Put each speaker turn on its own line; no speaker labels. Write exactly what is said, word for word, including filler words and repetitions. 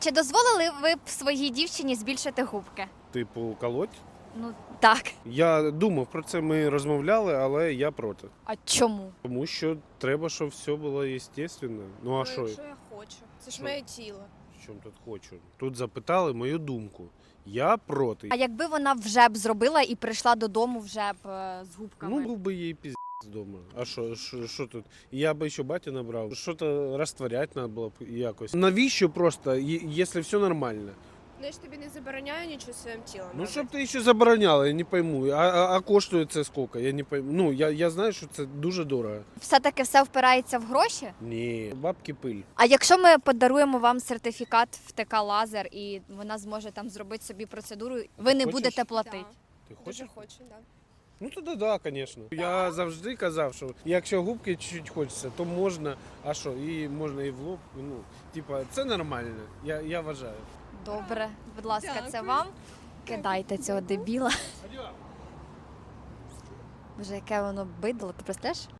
Чи дозволили ви б своїй дівчині збільшити губки?
Типу, колоть?
Ну так.
Я думав про це, ми розмовляли, але я проти.
А чому?
Тому що треба, щоб все було естественно. Ну а
Ну,
що?
якщо я хочу. Це ж
Що?
моє тіло.
В чому тут хочу? Тут запитали мою думку. Я проти.
А якби вона вже б зробила і прийшла додому вже б е, з губками?
Ну, був би їй піздець вдома. А що, що, що тут? Я би ще батю набрав. Що-то розтворяти треба було б якось. Навіщо просто, є- якщо все нормально?
Ну я ж тобі не забороняю нічого своїм тілом.
Ну,
робити.
щоб ти ще забороняла, я не пойму. А, а, а коштує це скільки? Я не пойму. Ну, я, я знаю, що це дуже дорого.
Все-таки все впирається в гроші?
Ні, бабки пиль.
А якщо ми подаруємо вам сертифікат в ТК Лазер і вона зможе там зробити собі процедуру, ви не
Хочеш?
будете платити?
Да.
Ти
Дуже
хочеш?
хочу, так. Да.
Ну тоді да, звісно. Я завжди казав, що якщо губки чуть-чуть хочеться, то можна. А що, і можна і в лоб. Ну, типа, це нормально. Я, я вважаю.
Добре, будь ласка, це
Дякую.
вам. Кидайте цього дебіла. Боже, яке воно бидло, ти простеш?